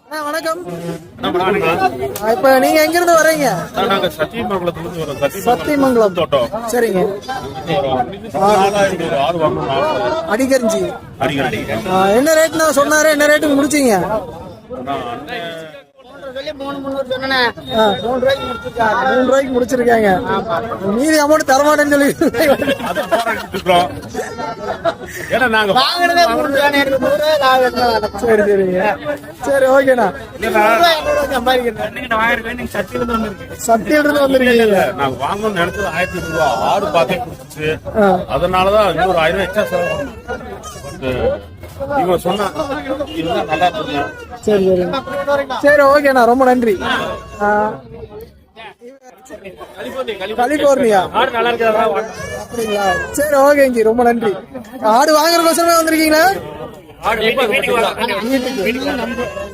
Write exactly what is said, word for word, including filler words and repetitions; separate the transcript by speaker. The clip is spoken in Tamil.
Speaker 1: வணக்கம். இப்ப நீங்க எங்க இருந்து வரீங்க?
Speaker 2: நாங்க சத்தியமங்கலத்துல இருந்து வரோம்.
Speaker 1: சத்தியமங்கலம்
Speaker 2: தோட்டம்.
Speaker 1: சரிங்க. அடிகரிஞ்சி
Speaker 2: அடிக்கடி
Speaker 1: என்ன ரேட்னா சொன்னாரு? என்ன ரேட்டுக்கு முடிச்சீங்க?
Speaker 3: மூணு முன்னூறு சொன்னேன்.
Speaker 1: மூணு ரூபாய்க்கு முடிச்சிருக்காங்க. மீதி அமௌண்ட் தரமாட்டேன்னு சொல்லி
Speaker 2: ஏன்னா நாங்க
Speaker 3: வாங்கினதே மூணு ரூபாய் எனக்கு நூறு ரூபாய் லாபம் தான்.
Speaker 1: சரி சரிங்க. சரி ஓகேண்ணா. சத்தியில இருந்து வந்திருக்கீங்க.
Speaker 2: நாங்க வாங்கணும்னு நினைச்சது ஆயிரத்தி ஐநூறு ரூபா ஆடு பார்த்தே கொடுத்துச்சு. அதனாலதான் இன்னொரு ஆயிரம் ரூபாய் எக்ஸ்ட்ரா செலவு இவன் சொன்னா இதுதான் நல்லா இருக்குங்க.
Speaker 1: சரி சரி சரி ஓகேண்ணா, ரொம்ப நன்றி. கலிபோர்னியா அப்படிங்களா? சரி ஓகேங்க, ரொம்ப நன்றி. ஆடு வாங்குறதுக்கோசரமே வந்திருக்கீங்களா? வீட்டுக்கு